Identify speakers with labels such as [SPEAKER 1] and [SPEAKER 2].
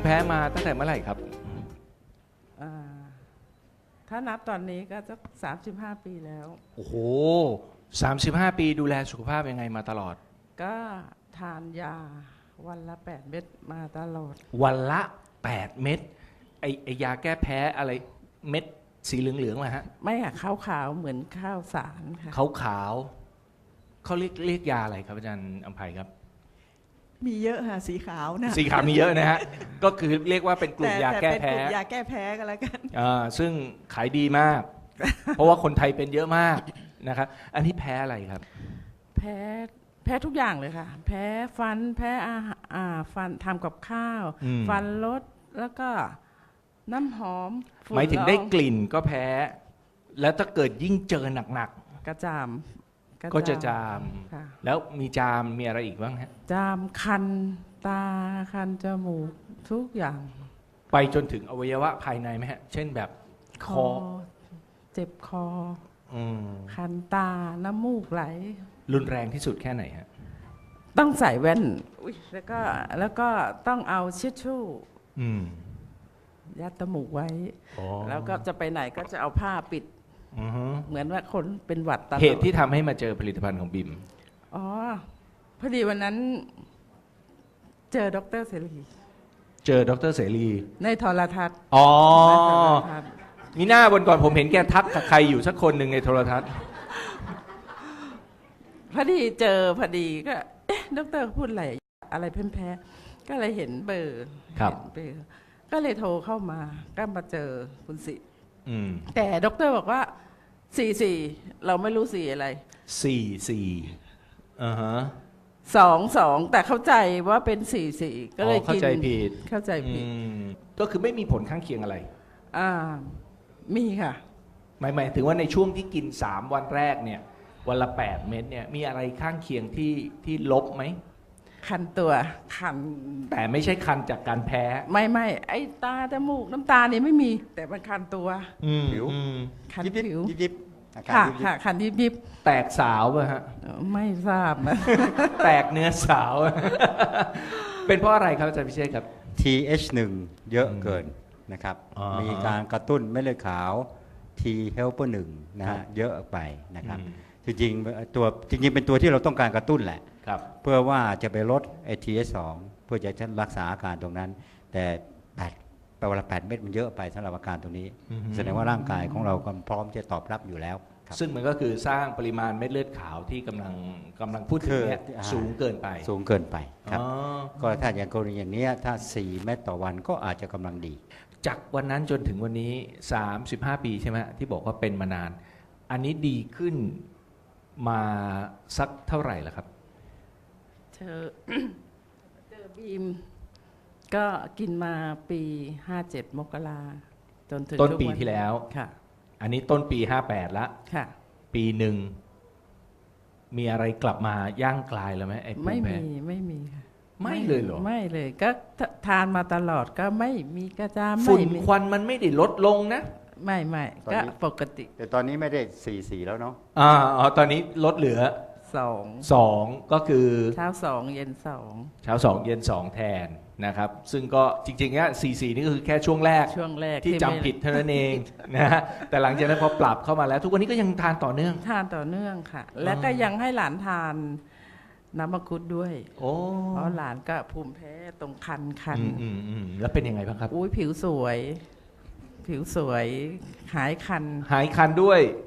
[SPEAKER 1] แพ้มาตั้งแต่เมื่อไหร่ครับ
[SPEAKER 2] อ่าถ้านับตอนนี้ก็จะ35 ปีแล้ว
[SPEAKER 1] โอ้โห35 ปีดูแลสุขภาพยังไงมาตลอด
[SPEAKER 2] ก็ทานยาวันละ8 เม็ดมาตลอด
[SPEAKER 1] วันละ8 เม็ดไอยาแก้แพ้อะไรเม็ดสีเหลืองๆมาฮะ
[SPEAKER 2] ไม่ค่ะขาวๆเหมือนข้าวสารค่ะ
[SPEAKER 1] ขาวเขาเรียกยาอะไรครับอาจารย์อำไพครับ
[SPEAKER 3] มีเยอะค่ะสีขาวนะ
[SPEAKER 1] สีขาวมีเยอะนะฮะ ก็คือเรียกว่าเป็นกลุ่มยาแก้
[SPEAKER 3] เป็น
[SPEAKER 1] แพ้
[SPEAKER 3] กลุ่มยาแก้แพ้กันแล้วกัน
[SPEAKER 1] ซึ่งขายดีมาก เพราะว่าคนไทยเป็นเยอะมากนะครับอันนี้แพ้อะไรครับ
[SPEAKER 2] แพ้ทุกอย่างเลยค่ะ แพ้ฟันแพ้อาหารฟันทำกับข้าว
[SPEAKER 1] อืม
[SPEAKER 2] ฟันลดแล้วก็น้ำหอมฝุ่น
[SPEAKER 1] หมายถึงได้
[SPEAKER 2] ละออง
[SPEAKER 1] กลิ่นก็แพ้ แล้วถ้าเกิดยิ่งเจอหนัก
[SPEAKER 2] กระจาม
[SPEAKER 1] ๆก็จะจาม
[SPEAKER 2] ค่ะ
[SPEAKER 1] แล้วมีจามมีอะไรอีกบ้างฮะ
[SPEAKER 2] จามคันตาคันจมูกทุกอย่าง
[SPEAKER 1] ไปจนถึงอวัยวะภายในไหมฮะ เช่นแบบคอ
[SPEAKER 2] เจ็บคอ
[SPEAKER 1] อืม
[SPEAKER 2] คันตาน้ำมูกไหล
[SPEAKER 1] รุนแรงที่สุดแค่ไหนฮะ
[SPEAKER 2] ต้องใส่แว่นแล้วก็ต้องเอาเช็ดชู่
[SPEAKER 1] อืม
[SPEAKER 2] ยัดจมูกไว้
[SPEAKER 1] อ๋อ
[SPEAKER 2] แล้วก็จะไปไหนก็จะเอาผ้าปิด
[SPEAKER 1] อือฮึ
[SPEAKER 2] เหมือนว่าคนเป็นหวัดตลอด
[SPEAKER 1] เหตุที่ทำให้มาเจอผลิตภัณฑ์ของบิม
[SPEAKER 2] อ๋อพอดีวันนั้นเจอดรเสรี
[SPEAKER 1] เจอดรเสรี
[SPEAKER 2] ในโทรทัศน์
[SPEAKER 1] อ๋อ
[SPEAKER 2] ในโทรทัศน์
[SPEAKER 1] มีหน้าวันก่อนผมเห็นแกทักกับใครอยู่สักคนหนึ่งในโทรทัศน์
[SPEAKER 2] พอดีเจอพอดีก็เอ๊ะดรพูดอะไรแพ้ๆก็เลยเห็นเบอร์
[SPEAKER 1] ครับ
[SPEAKER 2] เห็นเบอร์ก็เลยโทรเข้ามาก็มาเจอคุณสิ
[SPEAKER 1] อืม
[SPEAKER 2] แต่ดรบอกว่า44เราไม่รู้สีอะไร
[SPEAKER 1] 4 อ่าฮะ
[SPEAKER 2] 2 แต่เข้าใจว่าเป็น44ก็เลย
[SPEAKER 1] เข้า
[SPEAKER 2] กิน
[SPEAKER 1] ใจผิด
[SPEAKER 2] เข้าใจผิด
[SPEAKER 1] อืมก็คือไม่มีผลข้างเคียงอะไร
[SPEAKER 2] อ่ามีค่ะ
[SPEAKER 1] หมายถึงว่าในช่วงที่กิน 3 วันแรกเนี่ย วันละ 8 เม็ดเนี่ย มีอะไรข้างเคียงที่ลบไหม
[SPEAKER 2] คันตัวคัน
[SPEAKER 1] แต่ไม่ใช่คันจากการแพ้
[SPEAKER 2] ไม่ไอ้ตาจมูกน้ำตานี่ไม่มี แต่มันคันตัว
[SPEAKER 3] ผิว
[SPEAKER 2] คัน
[SPEAKER 3] ยิบ
[SPEAKER 2] ผิว
[SPEAKER 3] ยิบยิบอาการ
[SPEAKER 2] ค่ะ
[SPEAKER 1] ๆ
[SPEAKER 3] ยิบยิ
[SPEAKER 2] ค่ะ
[SPEAKER 3] บ
[SPEAKER 2] คันยิบ
[SPEAKER 1] แตกสาวป่ะฮะ
[SPEAKER 2] ไม่ทราบนะ
[SPEAKER 1] แตกเนื้อสาว เป็นเพราะอะไรครับอาจารย์พิเชษครับ
[SPEAKER 3] TH1 เยอะเกินนะครับ
[SPEAKER 1] อ่ามี
[SPEAKER 3] มีการกระตุ้นเม็ดเลือดขาว T helper 1นะ
[SPEAKER 1] ครั
[SPEAKER 3] ฮะ
[SPEAKER 1] บ
[SPEAKER 3] เยอะไปนะครับ
[SPEAKER 1] อืม
[SPEAKER 3] จริงๆเป็นตัวที่เราต้องการกระตุ้นแหละ
[SPEAKER 1] ครับ
[SPEAKER 3] เพื่อว่าจะไปลด TH2 เพื่อจะรักษาอาการตรงนั้น แต่8เวลา8 เม็ดมันเยอะไปสำหรับอาการตรงนี้
[SPEAKER 1] อือฮึ
[SPEAKER 3] แสดงว่าร่างกายของเราก็พร้อมจะตอบรับอยู่แล้วครับ
[SPEAKER 1] ซึ่งมันก็คือสร้างปริมาณเม็ดเลือดขาวที่กำลังพูดถึงเนี่ย
[SPEAKER 3] คือ
[SPEAKER 1] สูงเกินไป
[SPEAKER 3] สูงเกินไปครับ
[SPEAKER 1] อ๋อ
[SPEAKER 3] ก็ถ้าอย่างกรณีอย่างเนี้ยถ้า 4 เม็ดต่อวันก็อาจจะกำลังดี
[SPEAKER 1] จากวันนั้นจนถึงวันนี้ 35 ปีใช่ไหมที่บอกว่าเป็นมานาน อันนี้ดีขึ้นมาสักเท่าไหร่ล่ะครับ
[SPEAKER 2] เจอ บีม ก็กินมาปี57 มกราจนถึง
[SPEAKER 1] ต้นปี
[SPEAKER 2] ทุก
[SPEAKER 1] ที่แล้ว
[SPEAKER 2] ค่ะ
[SPEAKER 1] อันนี้ต้นปี 58ละ
[SPEAKER 2] ค่ะ
[SPEAKER 1] ปีหนึ่งมีอะไรกลับมาย่างกลายแล้วไหมไอ้ภู
[SPEAKER 2] ไม่
[SPEAKER 1] มิแพ้
[SPEAKER 2] มีค่ะ
[SPEAKER 1] ไม่เลยเหรอ
[SPEAKER 2] ไม่เลยก็ทานมาตลอดก็ไม่มีกระจาม
[SPEAKER 1] ฝุ่น
[SPEAKER 2] ไม่มี
[SPEAKER 1] ควันมันไม่ได้ลดลงนะ
[SPEAKER 2] ไม่
[SPEAKER 3] ตอน
[SPEAKER 2] ก็
[SPEAKER 3] นี้
[SPEAKER 2] ปกติ
[SPEAKER 3] แต่ตอนนี้ไม่ได้ 4 แล้วเนาะ
[SPEAKER 1] ตอนนี้ลดเหลือ
[SPEAKER 2] 2
[SPEAKER 1] 2 ก็คือ
[SPEAKER 2] เช้า2เย็น2
[SPEAKER 1] เช้า2เย็น2แทนนะครับ ซึ่งก็จริงๆเนี่ย44 นี่ก็คือแค่ช่วงแรก
[SPEAKER 2] ช่วงแรก
[SPEAKER 1] ที่จำผิดเท่านั้นเองนะฮะแต่หลังจากนั้นพอปรับเข้ามาแล้ว ทุกวันนี้ก็ยังทานต่อเนื่อง
[SPEAKER 2] ทานต่อเนื่องค่ะ แล้วก็ยังให้หลานทานน้ำมังคุดด้วย
[SPEAKER 1] โอ้
[SPEAKER 2] เพราะหลานก็ภูมิแพ้ตรงคัน
[SPEAKER 1] แล้วเป็นยังไงบ้างครับ
[SPEAKER 2] อุ้ยผิวสวย หายคัน
[SPEAKER 1] หายคันด้วย